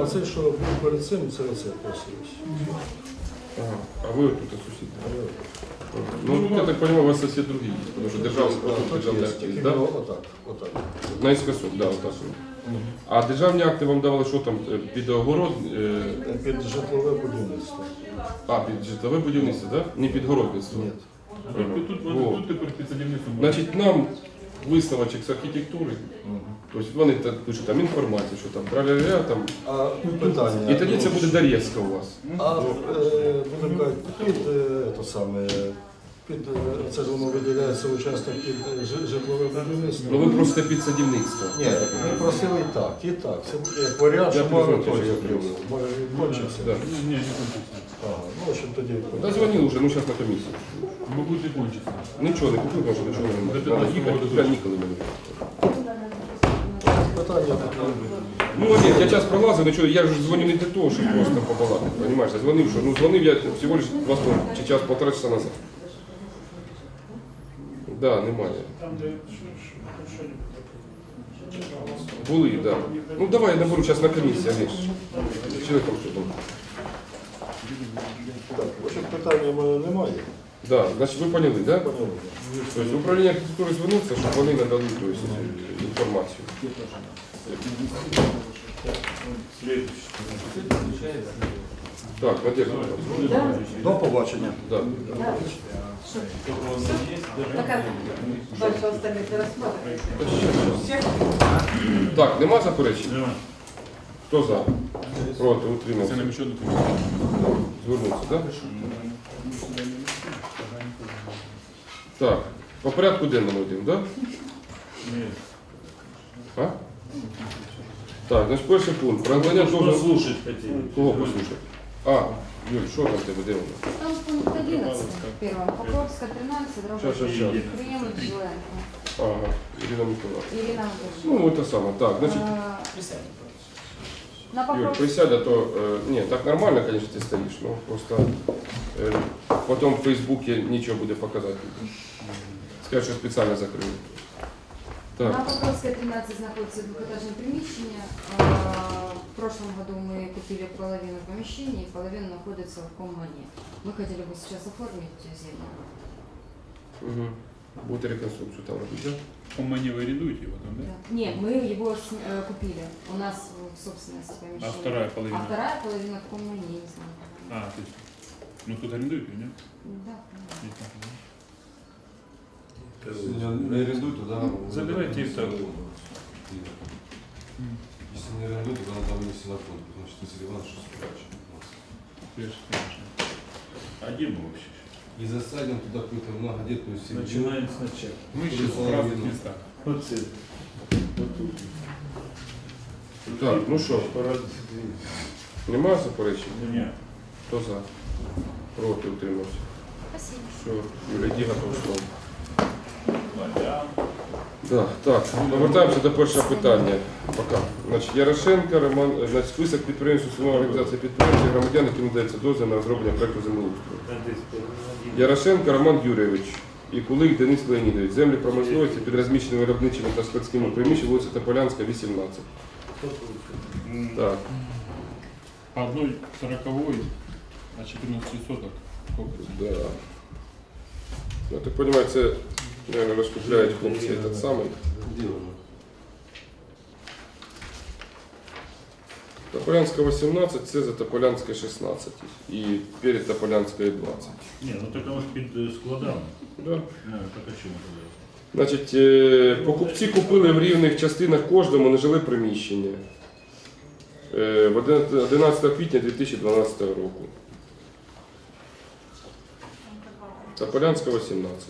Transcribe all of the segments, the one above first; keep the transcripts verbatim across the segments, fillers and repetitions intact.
А це, що був перед цим, це оце просилось. Ага. А ви тут сусід? Ну, я так понимаю, у вас сосед другий є, тому що державний, отут державний акт є, Тільки да? отак, отак. Наискосок, да, отак. А державні акти вам давали що там, е, під огород? е, Під житлове будівництво. А, під житлове будівництво, да? Не під городництво? Ні. Ага. Тут, тут, Во. тут тепер під садівництвом. Значить, нам висновочок з архітектури, тобто вони так пишуть там інформацію, що там траля там. А питання. І тоді це буде Дар'євська у вас. А е, будемо казати, під е, то саме, під е, це ж воно виділяється участок під е, жи- житлове будівництво. Ну ви просто під садівництво. Ні, ми просили і так, і так. Це буде як варіант, Я що признаю, мораторій що об'явив. Може відкончився. Да. Ні, не кончиться. Ага, ну, в общем, тоді. Да дзвонив уже, ну зараз на комісію. Мабуть, не кончиться. Нічого не купив, тому що нічого не До можу. Треба п'ятнадцятого їхати, року. туди ніколи мені. Питання Ну, Олег, я час пролазив, нічого, я ж дзвонив не для того, щоб просто побалакати, розумієш? Я дзвонив, що, ну, дзвонив я всього лиш два чи час, полтора часа назад. Да, немає. Там, де Були, так. Да. Ну, давай я наберу зараз на комісію, Олег. Чоловіком що там. Так, в общем, питання в мене немає. Да, значить, ви поняли, так? Да? Поняли. Тобто управління архітектури звернувся, щоб вони надали тобто, інформацію. Так, Надежда. До побачення. Да. Пока больше остальных не рассматривать. Всех? Так, нема заперечень? Нема. Хто за? Проти, Це утримався. нам ще одну комісію. Звернувся, так? Так, по порядку денному йдемо, так? Ні. А? Так, значить, перший пункт. Про надання дозволу. Послушать хотіли. Кого послухати? А, Юль, що там в тебе, де воно? Там пункт одиннадцать первым. Покровская, тринадцать, Щас, щас, щас. Приемлет Жиленко. Ага, Ірина Миколаївна. Ирина Анатольевна. Ну, це саме. Так, значить, Э, На Юль, Покровской. присядь, а то, э, не, так нормально, конечно, ты стоишь, но просто э, потом в Фейсбуке ничего будет показать. Скажешь, что специально закрыли. На Так, Покровской, тринадцать находится двухэтажное примещение. А, В прошлом году мы купили половину помещений, половина находится в Коммане. Мы хотели бы сейчас оформить землю. угу. Будет реконструкцию там робить, да? По мені ви орендуєте його там, да? Да. Нет, мы его с- э, купили. У нас в собственности А помещение. вторая А половина? вторая половина в Коммане, я не знаю. А, то есть, ну тут орендуєте, ні? Да. Ні, так, да. Не арендуй, тогда... Забирайте их так. Если не арендуй, тогда надо вынести на фонд, потому что Василий Иванович что спрячет. Конечно, конечно. А где мы вообще? И засадим туда какую-то многодетную семью. Начинаем сначала. Мы сейчас в разных местах. Вот это. Вот тут. Так, ну що, немає заперечень? Нет. Хто за? Проти, утримався. Спасибо. Все, Юля, йди готов слово. Да, так, повертаємося до першого питання. Пока. Значить, Ярошенко, Роман, значить, список підприємств, установ організації підприємств, громадян, яким надається дозвіл на розроблення проекту землеустрою. Ярошенко Роман Юрійович і Кулик Денис Леонідович. Землі промисловості під розміщеними виробничими та складськими приміщеннями, вулиця Тополянська, вісімнадцять. Так, По одной сороковой, а четырнадцать соток. Сколько это? да. Я так понимаю, це, наверное, розкупляють хлопці этот самий. Где он? Тополянська вісімнадцять, це за Тополянська шістнадцять. І перед Тополянською двадцять. Не, ну так оно ж під е, складами. Да. Ну, так а чому тоді? Значить, е, покупці купили в рівних частинах кожному нежиле приміщення е, в одинадцятого квітня дві тисячі дванадцятого року. Тополянська вісімнадцять.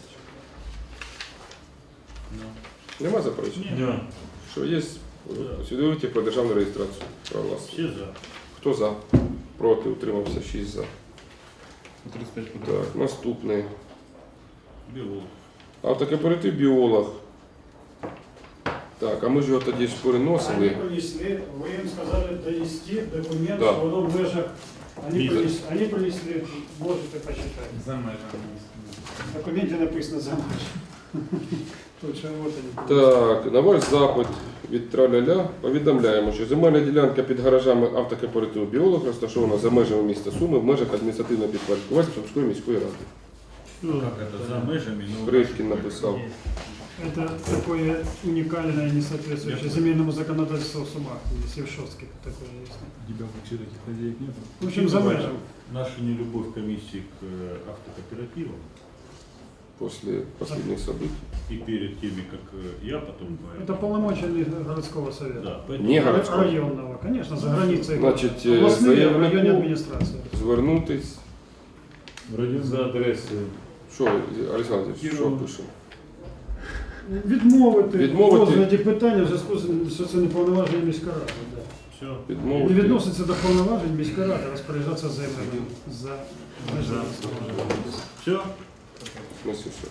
Нема заперечень? Да. Що є? Свідомості про державну реєстрацію права власності. Всі за. Хто за? Проти, утримався, шість за. тридцать пять квадратов. Так, наступний. Біолог. Автокооператив біолог. Так, а ми ж його тоді ж Они переносили. принесли, вы им сказали донести документ, Да. что оно в межах. Они, Миза. принесли, они принесли, можете почитать. За межами. В документе написано за меж. Точно, вот они. Так, на ваш запит від траля-ля повідомляємо, що земельна ділянка під гаражами автокооперативу «Біолог» розташована за межами міста Суми в межах адміністративного підпорядкування Сумської міської ради. Как это за межами? Ну, Бришкін написав. Это такое уникальное, не соответствующее земельному законодательству в Сумах. Если в Шостке такое есть. у тебя вообще таких хозяек нет? В общем, за межем. Наша нелюбовь комиссии к э, автокооперативам После последних событий. и перед теми, как э, я потом... э, Это полномочия не городского совета. Да, поэтому Не Ра- городского. Районного, конечно, за границей. Значить, Областные, заявнику районные администрации. Звернутись. вроде за адресою. Що, Олександр, що пишемо? Відмовити, Відмовити. розгляді питання в зв'язку з що це не повноваження міської ради. Да. Все. Не Відмовити. відноситься до повноважень міської ради розпоряджатися землями за межами. Все. В смысле все?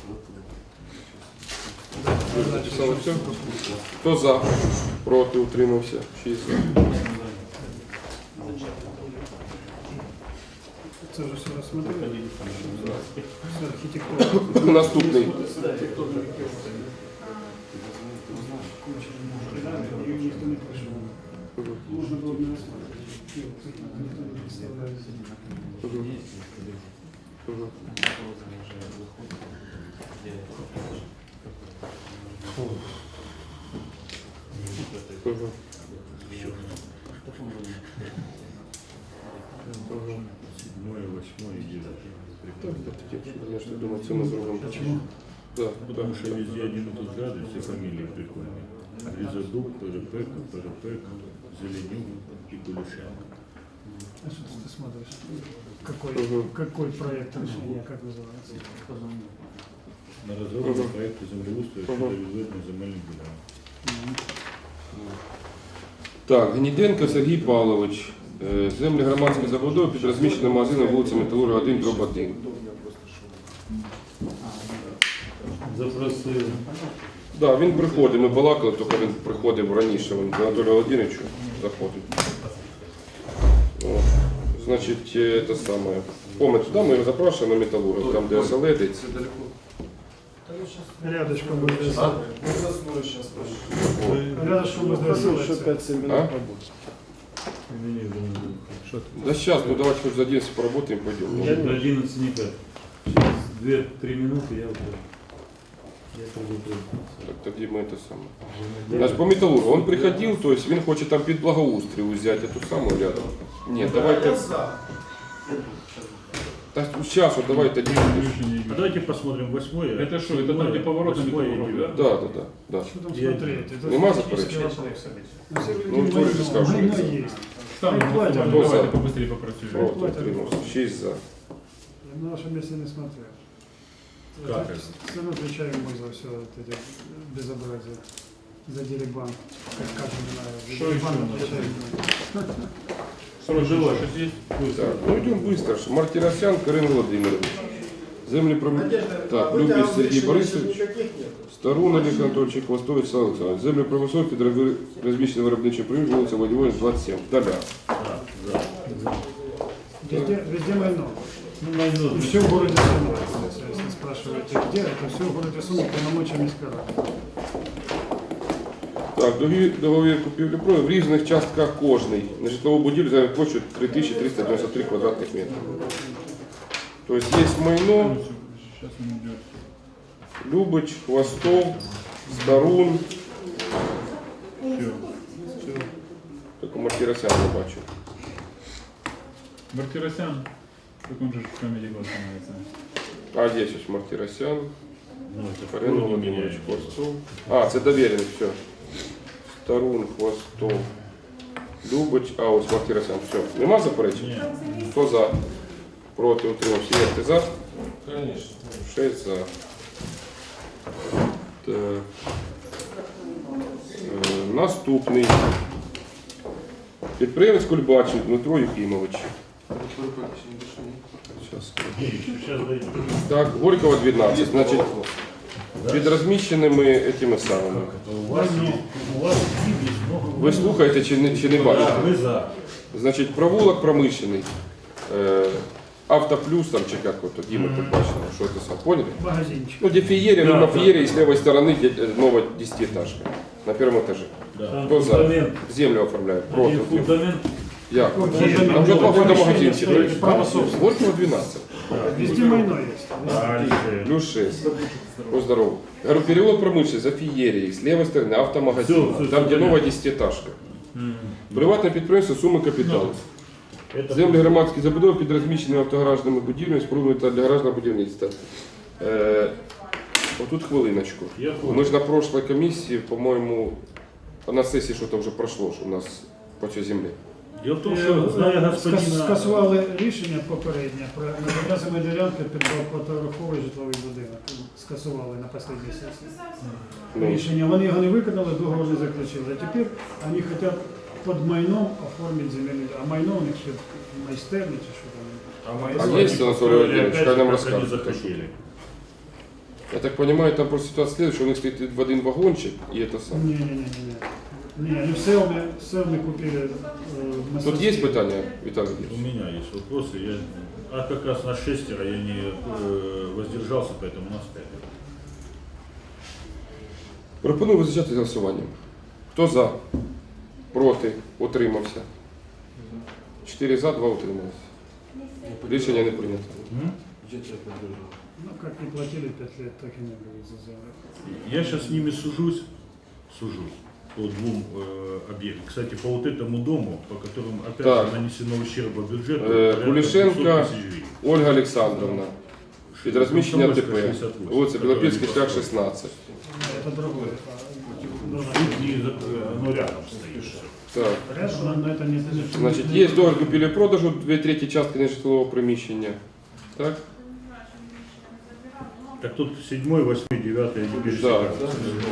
Записали все? Хто за? Проти, утримався? Шість за. Це вже все розсмотрели. Це архітектура. Наступний. Ніхто не прийшов. Можна було б не розглядати. Ніхто не представляє. Мгм. Мгм. Седьмое, восьмое и девятое. Я ж думаю, це ми зробимо. Чому? Да, Потому что везде один и тот же адрес, все фамилии прикольные. Резадук, Перепека, Перепека, Зеленюк и Кулешенко. А что ты смотришь? Какой, Мгм. какой проект решения, как называется? На разработку Мгм. проекта землеустрою Мгм. щодо відведення земельних ділянок. Так, Гніденко Сергій Павлович. Е, Землі громадської забудови під розміщеним магазином вулиця Металурга один, дроб один. Запросили. Да, він приходить, ми балакали, тільки він приходив раніше, він до Анатолія Володимировича заходить. О, значить, е, те саме. Поме туди ми його запрошуємо на Металург, там де оселедець. Рядышком будет Рядышком будет А? Да сейчас, ну давайте хоть за одиннадцать поработаем, пойдем. Я до одиннадцати никак. Через две-три минуты я уже... Я уже Так, тоді ми це саме. Значить, по Металургу, він приходив, то есть він хоче там під благоустрій взяти ту саму рядом. Ні, давайте... Так, сейчас, вот давайте один. А давайте посмотрим восьмое. Это что, это там, где поворот на Восьмое и Металлург, девятое. Да, да, да, да. Что там Я- смотреть? Это Нема технический заперечень? вопрос. Ну, все Ну, люди Толик войну, скажет, война что есть. Там, Хай платят. Кто за? давайте побыстрее попросили. Проти, утримався. Шість за. Я на вашем месте не смотрел. Как Это? это? Все равно отвечаю мы за все вот эти безобразия. За дерибан. Как как не знаю. За Что дерибан еще у нас? отвечаю. Срочно что есть? Так, ну йдемо швидко. Мартиросян Карин Володимирович. Землі про... Так, Любіс Сергій Борисович. Старун Олег Анатольевич, Хвостович Слава Олександрович. Землі промислові під розміщеним виробничим приміщенням вулиця Владимирович, двадцять сім. Доля. Везде, везде майно. Ну, найдут. И все в городе Сума. Если спрашиваете, где, это все в городе Сума, полномочия Мискара. Так, договір, договір купівлі-продажу в різних частках кожний. На житлову будівлю за площу три тисячі триста дев'яносто три квадратних метри. Тобто є майно, Сейчас он идет. Любич, Хвостов, Старун. Все. Тільки Мартиросян не бачу. Мартиросян. Как он же в комедии глаз становится. А, здесь ось Мартиросян, Ну, это Карин вроде Володимирович, меняет. Хвостов. А, це довірений, все. Старун, Хвостов, Любич, а ось Мартиросян, все. Нема заперечень? Ні. Хто за? Проти, утримався. Є, ти за? Конечно. Шесть за. Так. Е, Наступний. Підприємець Кульбачий Дмитро Юхімович. Щас. Сейчас дойдем. Так, Горького дванадцять. Значить, під розміщеними этими самими. У вас есть, у вас есть много... Ви слухаєте чи не, чи не бачите? Да, мы за. Значить, провулок промишлений. Е, Автоплюс там чи як от, Діма тут бачили, що це сам, поняли? Магазинчик. Ну, где феерия, Да, ну, на да. феерии с левой стороны де- э, новая десятиэтажка на первом этаже. Да. Кто за? Фундамент. Землю оформляют. Один Против. фундамент. Я. Фундамент. Там же два фундамента Помещение стоит, право собственности. Вот его двенадцать. Везде майно есть. Дальше. Плюс шесть. О, здорово. Говорю, переулок промышленный, за феерией, с левой стороны автомагазин. Всё, всё, Там, всё где понятно. новая десятиэтажка. Приватне підприємство, суми капіталу. Это Землі громадські забудови під розміщеними автогаражними будівлями, спорудами та для гаражного будівництва. Е, отут хвилиночку. Я понял. Ми ж на прошлой комісії, по-моєму, на сесії що-то вже пройшло, що у нас по цій землі. Дело в том, что, зная Скас- господина... Скасували рішення попереднє про наказами ділянки під багатоповерховий житловий будинок. Скасували на останній сесії. Ну, Рішення, вони його не виконали, договор не заключили. А тепер вони хочуть під майном оформити земельний, а майно у них ще майстерні чи що там. А мои есть, слова Анатолий построили Владимирович, опять как же, нам как расскажут, они то, что- захотели. я так понимаю, там просто ситуация следующая, что у них стоит в один вагончик, и это самое. Ні-ні-ні. Ні, вони все вони, все вони купили. е, Тут мастерські. есть питання, Виталий У Владимирович? меня есть вопросы. Я... А как раз на шестеро я не э, воздержался, поэтому у нас пять. Пропоную визначати голосуванням. Хто за? Проти? Утримався? Чотири за, два утрималися. Рішення не прийнято. Я тебя поддержу. Ну, как не платили пять лет, так и не были за землю. Я сейчас с ними сужусь, сужусь по двум э, объектам. Кстати, по вот этому дому, по которому опять Так. же нанесено ущерба бюджету, Э, порядка Кулишенко, двухсот тысяч гривен. Ольга Олександровна. Під розміщення АТП. Комсомольская, шестьдесят восемь, Вулиця Білопільський, который шлях построен. шістнадцять. Ну, это другое. а, другое. Тут не за- оно рядом стоит. всё. Так. Рядом, но это не... не- Значить, не- є договір купівлі-продажу, дві треті частки нежитлового приміщення. Так? Так тут седьмой, восьмой, девятый, они Да. пересекаются.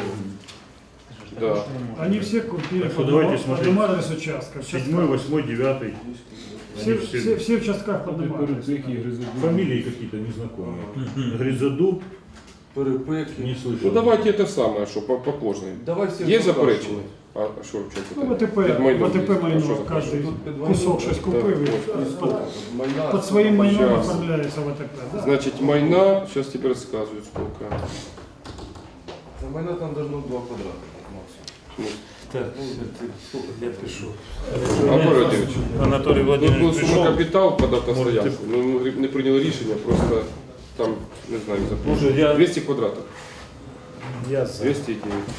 Да. Они все купили Так по что давайте одному- по смотреть. одному адресу участка. Седьмой, восьмой, девятый. Все, Они все, все, все в частках по одному адресу. фамилии какие-то незнакомые. Гризодуб, Перепеки. не слышал. Ну давайте це саме, що по, по кожній. Давай все Є заперечення? А що в чому Ну, в питання? АТП, Під майном в АТП є. А що майно, за кожен Тут під майном. кусок щось купив і Майна. під своїм майном Щас. оформляється в АТП. Да? Значить, майна, зараз тебе розказують скільки. На майна там должно два квадрата максимум. Сколько лет пришел? Анатолій Володимирович, Анатолий тут був Владимирович сума пришел. капітал під автостоянку. Ну, ми не прийняли рішення, просто там, не знаю, Слушай, запрошую. я- двісті квадратів. Я за. двісті дев'ять.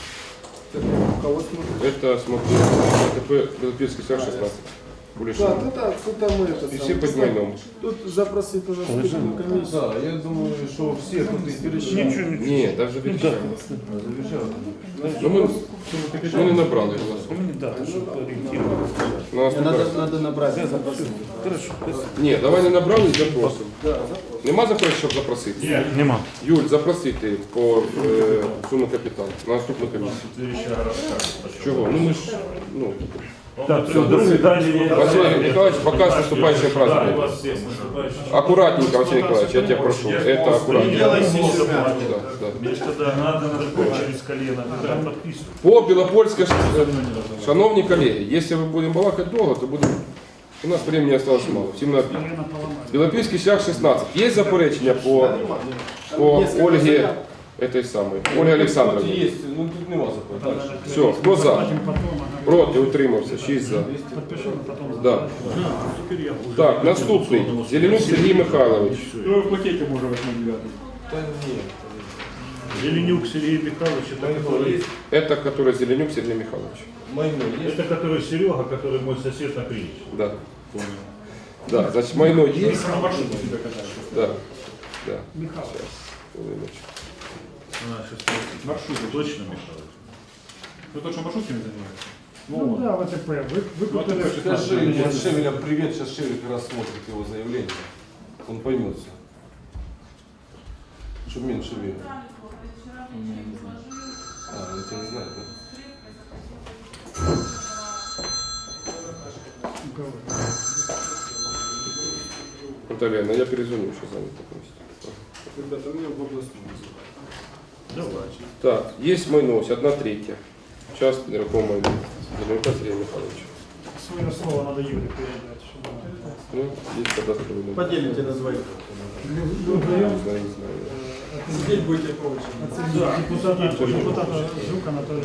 Это, смотри, АТП Белопільський шлях шістнадцять. Кулішин. Да, ну так, ну там это І всі самое. під майном. Тут запросить уже вступительную комиссию. Да, я думаю, что все тут и перешли. Ні, навіть відчаю. Завещал. Ну, ми, ми не набрали голосу. Да, чтобы ориентироваться. На нас Надо, поки- надо набрать. Хорошо. Ні, давай не набрали і запросимо. Нема заперечень, щоб запросити? Нет, Нема. Юль, запросити по е, суму капіталу на наступну комісію. следующая расскажет. Чого? Ну ми ж, ну, Так, все, до свидания. Василий Николаевич, пока с наступающим праздником. Аккуратненько, Василий Николаевич, я тебя прошу. Это аккуратненько. Да, да. Мне ж тогда надо, надо через колено, тогда подписывать. По Білопольська, шановні колеги, якщо ми будемо балакати довго, то будемо... У нас времени осталось мало, всім на обід. Колено поломали. Білопільський шлях шістнадцять. Є заперечення по, по Ольге, этой самой, Ольге Олександровні? Есть, ну тут не вас заплатить. Все, хто за? Платим потом, ага. Проти, утримався, шість за. Подпишем, потом. Да. Теперь я уже Так, наступний. Зеленюк Сергій Михайлович. Ну, в пакете можно восьмой девятый. Да нет. Зеленюк Сергей Михайлович, это Майно который, есть. Это который Зеленюк Сергей Михайлович. Майно есть. это который Серега, который мой сосед на Криниче. Да. Да, значит, майно есть. На маршруте тебе катаешь. Да. Да. Михаил. Хвилиночку. А, сейчас Маршрут. точно Михайлович. Ну, тот, что маршрутками занимается? Ну да, в АТП. Вы, вы Ну, купили... АТП Скажи вот Шевеля привет, сейчас Шевель как раз смотрит его заявление. Он поймет все. Чтобы меньше верил. А, он тебя не знает, да? Наталья, ну я перезвоню, еще занято просто. Ребята, у меня в областном. Давай. Так, есть майно, одна третья. Часть нерухомого майна. Зеленюка Сергея Михайловича. свое слово надо Юре передать. чтобы она- Ну, есть кадастровый номер. Поделите на двоих. Ну, Не вдвоем, знаю, не знаю. э, Сидеть будете по очереди. от да, депутата, депутата Жук Анатолия.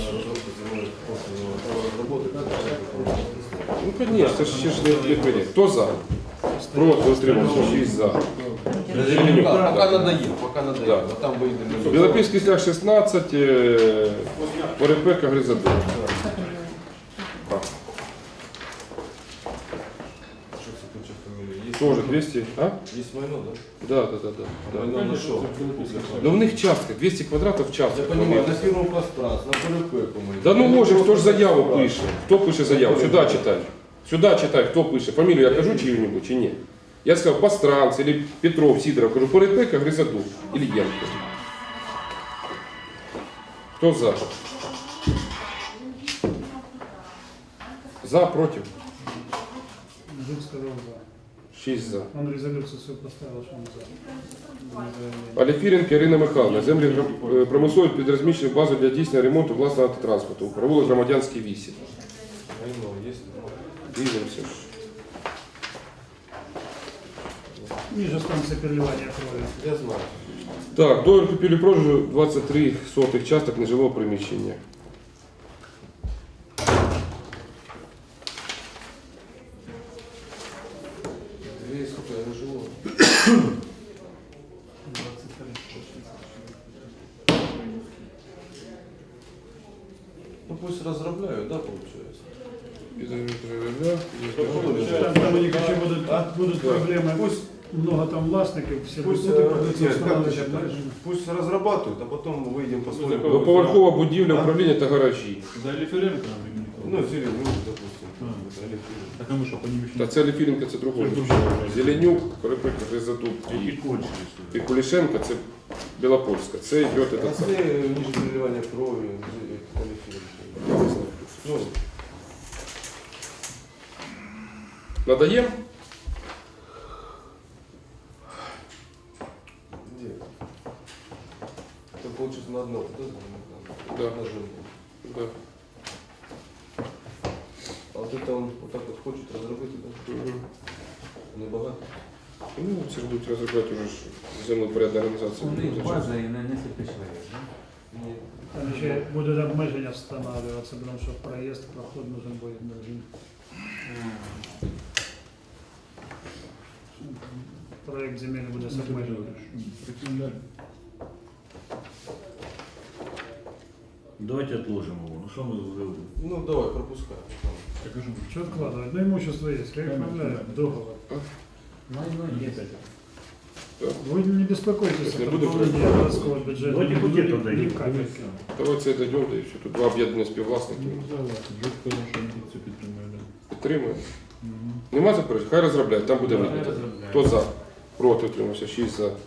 Ну, конечно, ще ж не, не прийняти. Хто за? Проти, утримався, шість за. Пока, пока надоел, пока надоел. Да. А там выйдем. Білопільський шлях шістнадцять, е, Порепека, Гризадин. Так, Что, кстати, фамилия есть? Тоже двісті, а? Есть Майно, да? Да, да, да, да. да. Майно нашел. Да в них частка, двісті квадратів Я частка. понимаю, на первом пространстве, на Порепеку мы. Да ну може, хто ж заяву пише? Хто пише заяву? Сюди читай. Сюди читай, хто пише. Фамілію я кажу чию-небудь чи ні? Я сказав Постранц, или Петров, Сидоров. Кажу, Порепека, Гризадук, Ильенко. Хто за? За, проти? Жук сказал за. Шість за. Он резолюцию свою поставил, что он за. Аліфіренко Ірина Михайловна. Землі гра- е, промислові під розміщеною базою для дійсного ремонту власного автотранспорту. Провулок Громадянський вісім. Майно есть? Дивимося. Ниже станция переливания крови. Я знаю. Так, договір купівлі-продажу двадцять три сотих часток нежилого приміщення. Две, сколько я живу? Ну пусть разрабляют, да, получается? Там, там у них еще будут, будут проблемы. Пусть много там властников, все Пусть, будут э, придется нет, устанавливать как ты опять считаешь? же. Пусть разрабатывают, а потом мы выйдем посмотрим. Двоповерхова будівля, управління та гаражі. За Алиференко, Ну, Филипп, ну, допустим. А. Вот, Олег Филипп. Так а ми що, по ним ще Та це Аліфіренко, це другой. Зеленюк, Порепека, Гризадук Які і, кончились? і Кулішенко, це Білопольська. Це йде А этот це самий. ниже переливания крови, Олег Филипп. Я не знаю, хто це. Ну, Надаємо? где? Это получится на одно, да? Да. На жинку. Да. А вот это он вот так вот хочет разработать, да? Мгм. Не богато. Ну, це ж будуть розробляти вже ж землепорядна організація. База и на несколько человек, да? Нет. Там еще будут обмежения встановлюватися, потому що проезд, проход нужен будет нужен. Проект земельный буде з обмеженнями. Давайте отложим его. Ну что мы уже... Ну, давай, пропускай. Что откладывать? Ну, имущество есть, я их оформляю, договор. Майно есть. Вы не беспокойтесь, Не это буду пополнение городского бюджета. Давайте Не букет будет отдадим. ни капельки. Давайте дійдемо, да і все. Тут два об'єднані співвласники. Жук сказав, що він це підтримує. Підтримуємо. Нема заперечень? Хай розробляють, там буде видно. Хто за? Проти утримався, шість за.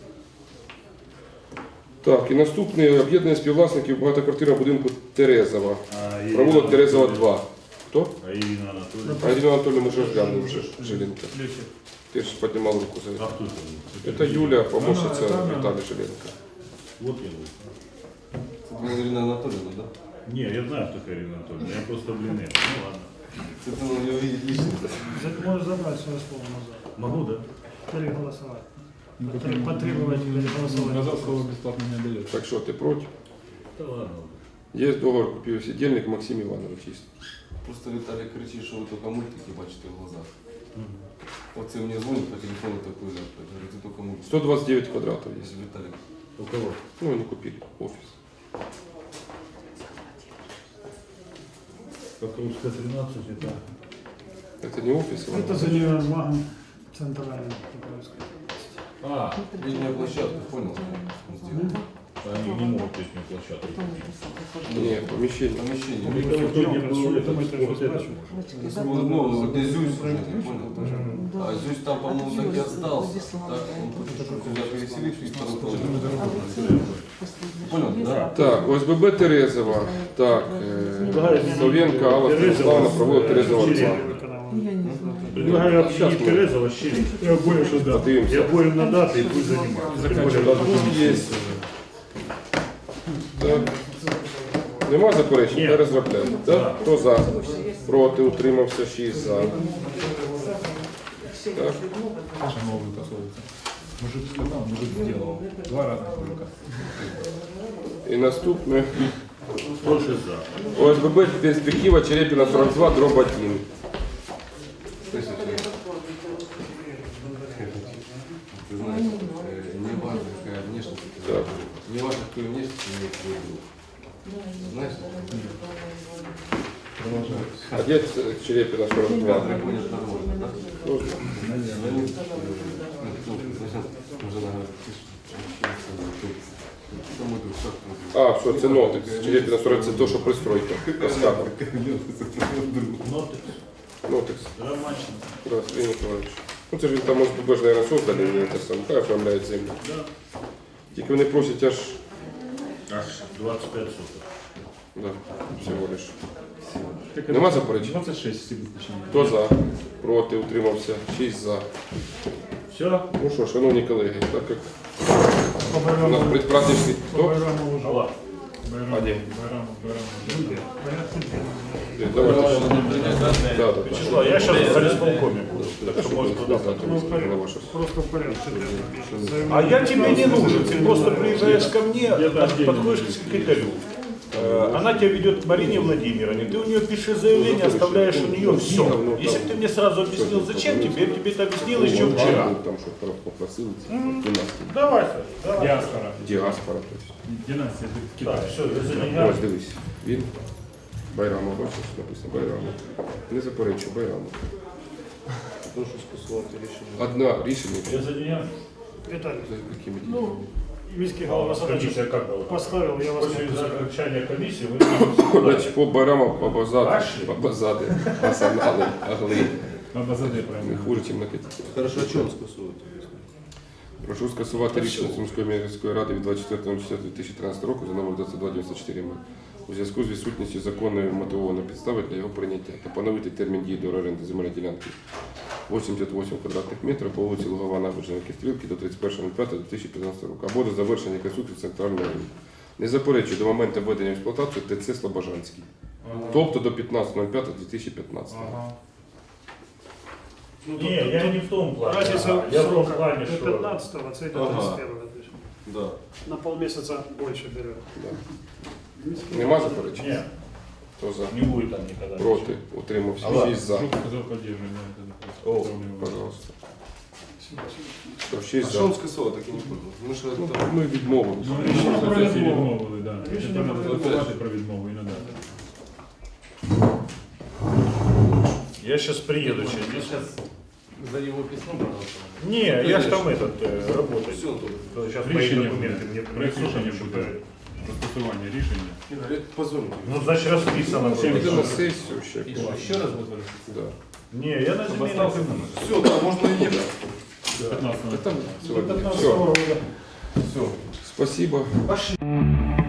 Так, і наступне об'єднання співвласників багатоквартирного будинку Терезова. А, Ирина Провулок Терезова Анатольевна. два. Хто? А Ирина Анатольевна? А Ірина Анатольевна, ми вже розглянули вже Жиленко. Ти ж піднімав руку за А це. кто это? Це Юля, помощниця Вона- вона- Віталія Жиленко. Вот я был. Это была Ирина Анатольевна, да? Не, я знаю, кто такая Ирина Анатольевна. Я просто блины. Ну ладно. Это надо ее видеть лично. За- Можешь забрать свое слово назад. Могу, да? Переголосовать. Потр- Потребовать переголосовать. Назад слово безплатно не дає. Так що, ти проти? Да ладно. Є договор купівсідельник Максим Іванович. Є. Просто Виталий кричит, что вы только мультики бачите в глазах. Вот все мне звонит по телефону такой, да, говорит, ты только мультики. сто двадцять дев'ять квадратів є. Если Виталик. У кого? Ну, вони купили офіс. Покровская тринадцать, это... Це не офіс, а Это за универмагом центральным. Покровской. А, Летняя площадка, понял? Он сделал. они не могут летнюю площадку. Ні, поміщення. Помещение. Никого тут не было, Что это, мы это вот это же можно. Ну, ну, где Зюсь уже, ты понял? А Зюсь там, по-моему, так и остался. Так, он хочет сюда переселить и второй половину. Понял, да? Так, ОСББ Терезова. Так, е, Словенка, Алла Станіславна, провулок Терезова два. Предлагаю объединить Терезова с Щелин. Я более что да. Подивимося. Я более на даты и пусть заниматься. Є. Так. Нема заперечень? Ні. Перезробляємо. Так? Хто за? Проти, утримався, шість за. Так. Новый косовится. Мужик сказал, мужик сделал. Два разных мужика. І наступне. Хто ще за? ОСББ перспектива Черепіна сорок два, дроб один. Ты знаешь, э, не важно, какая внешность, Так. не важно, какую внешность имеет твой друг. Знаешь? А де Черепіна сорок два? Так будет нормально, да? Тоже. Звонит, э, ну, зачем? Жена говорит, ты ж что мой друг, как твой друг? А, все, це нотикс. Черепіна сорок це то, що пристройка. Каскадом. Нотикс. Нотикс. Ромачно. Да, Сергій Миколаївич. Ну це ж він там, може, ОСББ ж, наверное, создали, не те саме. Хай оформляють землю. Да. Тільки вони просять аж, Аж двадцять п'ять соток. да, всього лиш. Нема заперечень? двадцать шесть, если быть точнее. Хто за? Проти, утримався. шість за. Все? Ну що, шановні колеги, так як По у нас Байраму, предпраздничний... по Хто? Байраму уже. Алла. Байрам, А где? Байрам, Байрам. Е, Давайте. Давай, надо принять, да? Да, да, Вячеслав, я сейчас в полисполкоме буду. Так что может туда Ну, в порядке. Голова щось. Просто в порядке. А я тебе не нужен, ты просто приезжаешь ко мне, Где-то отдельно подходишь к будет. секретарю. Э, Она тебя ведет к Марине Владимировне, ты у нее пишешь заявление, оставляешь у нее все. Если бы ты мне сразу объяснил, зачем тебе, я бы тебе это объяснил еще вчера. Там що попросили, це династія. Давай, Саш, давай. Диаспора. Діаспора. тобто. Династия, это Так, Китай. все, я заменяю. Ось дивись. Він. Байрамо, бачиш, написано Байрамо. Не заперечу, Байрамо. Прошу скасувати рішення. Одна рішення. Я заменяю. Виталий, За якими ну, діями? міський голова Комиссия задачу как была? поставил, я вас После не пускаю. окончания комиссии вы Значить, по Байраму, по базади, Пошли. по базади, асанали, агли. Надо задать Не правильно. хуже, ніж на Киті. Хорошо, а чому скасувати? Прошу скасувати рішення Сумської міської ради від двадцять четвертого четвертого дві тисячі тринадцятого року за номер двадцять два дев'яносто чотири ем у зв'язку з відсутністю законної мотивованої підстави для його прийняття та поновити термін дії до оренди земельної ділянки вісімдесят вісім квадратних метрів по вулиці Лугова, набережна Кистрілки до тридцять першого п'ятого дві тисячі п'ятнадцятого року або до завершення реконструкції центральної лінії. Не заперечую до моменту введення в експлуатацію ТЦ Слобожанський. Тобто до п'ятнадцятого п'ятого дві тисячі п'ятнадцятого. Ага. Ну, Не, я не в том плане. Разница Ага, я в том срока плане, до что... пятнадцатого, а цель до Ага. тридцать первого. то есть Да. На полмесяца больше берет. Да. Нема заперечень? Нет, Хто за? не будет там никогда. Проти, утримався, Алла. шість за. Жук сказал, поддерживаем. да, это О, управление. Пожалуйста. Що, А шість що за. він скасував, так і не понял. Ну що Ну, там? ми відмовилися. Ну, Рішення рішення про про відмову. відмовили, да. Рішення Тепер про треба відмову. запитати про відмову і надати. Я сейчас приеду через Я сейчас за его письмо проголосовал. Не, я ж там этот, э, работаю. Все тут. Сейчас мои Рішення документы мне проект принесут, рішення чтобы- буде. Про скасування рішення. Позвоните. Ну, значит, расписано. Всем Піде на было. сесію ще. И что, еще раз будет вырастить? Да. Не, я на земельном Все, так, можна і їхати. пятнадцатого. Там До сьогодні. пятнадцатого Все. года. Все. Спасибо.